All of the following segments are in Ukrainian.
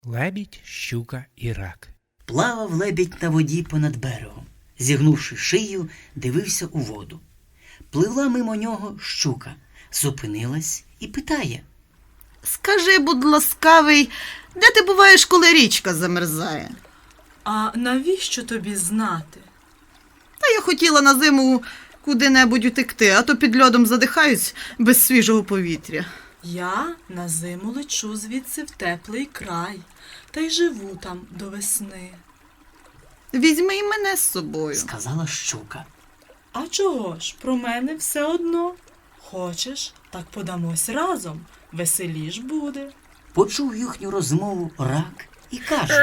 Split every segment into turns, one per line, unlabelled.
Лебідь, щука і рак.
Плавав лебідь на воді понад берегом. Зігнувши шию, дивився у воду. Пливла мимо нього щука, зупинилась і питає.
Скажи, будь ласкавий, де ти буваєш, коли річка замерзає?
А навіщо тобі знати?
Та я хотіла на зиму куди-небудь утекти, а то під льодом задихаюсь без свіжого повітря.
Я на зиму лечу звідси в теплий край, та й живу там до весни.
Візьми і мене з собою.
Сказала щука.
А чого ж, про мене все одно? Хочеш, так подамось разом, веселіш буде.
Почув їхню розмову рак і каже.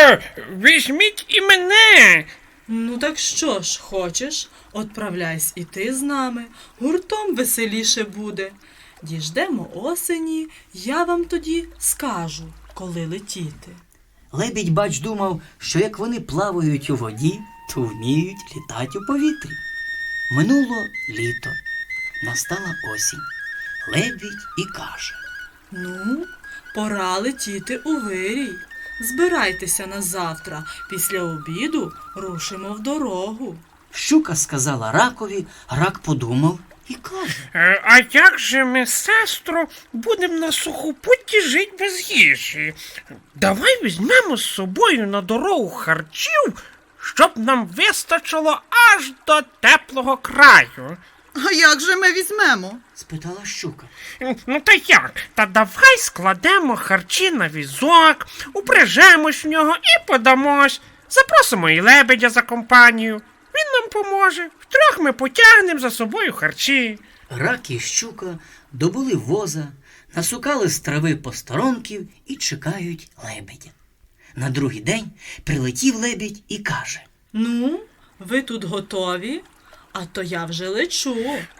Візьміть і мене.
Ну так що ж, хочеш, отправляйся і ти з нами, гуртом веселіше буде. Діждемо осені, я вам тоді скажу, коли летіти.
Лебідь, бач, думав, що як вони плавають у воді, то вміють літати у повітрі. Минуло літо, настала осінь. Лебідь і каже.
Ну, пора летіти у вирій. Збирайтеся на завтра, після обіду рушимо в дорогу.
Щука сказала ракові, рак подумав і каже.
А як же ми, сестро, будемо на сухопутті жити без їжі? Давай візьмемо з собою на дорогу харчів, щоб нам вистачило аж до теплого краю.
А як же ми візьмемо?
Спитала щука.
Ну та як? Та давай складемо харчі на візок, упряжемось в нього і подамось. Запросимо і лебедя за компанію. Він нам поможе. Втрьох ми потягнемо за собою харчі.
Рак і щука добули воза, насукали з трави посторонків і чекають лебедя. На другий день прилетів лебідь і каже.
Ну, ви тут готові? А то я вже лечу.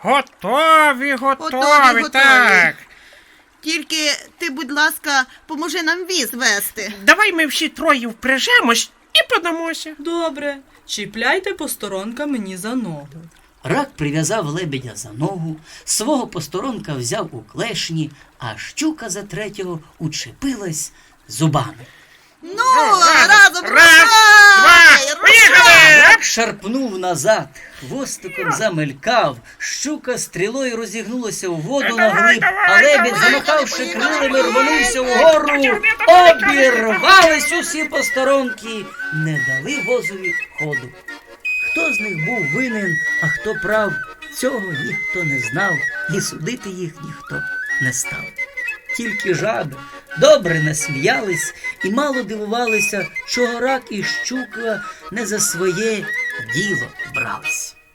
Готові,
Готові.
так.
Тільки ти, будь ласка, поможи нам віз вести.
Давай ми всі троє впряжемось і подамося.
Добре, чіпляйте посторонка мені за ногу.
Рак прив'язав лебедя за ногу, свого посторонка взяв у клешні, а щука за третього учепилась зубами.
Ну, разом
Раз, два, поїхали!
Рак шарпнув назад, хвостиком замелькав, щука стрілою розігнулася у воду на глиб, а лебідь, замахавши крилами, рванувся вгору, обірвались усі посторонки, не дали возові ходу. Хто з них був винен, а хто прав, цього ніхто не знав, і судити їх ніхто не став. Тільки жаби добре насміялись і мало дивувалися, чого рак і щука не за своє діло брались.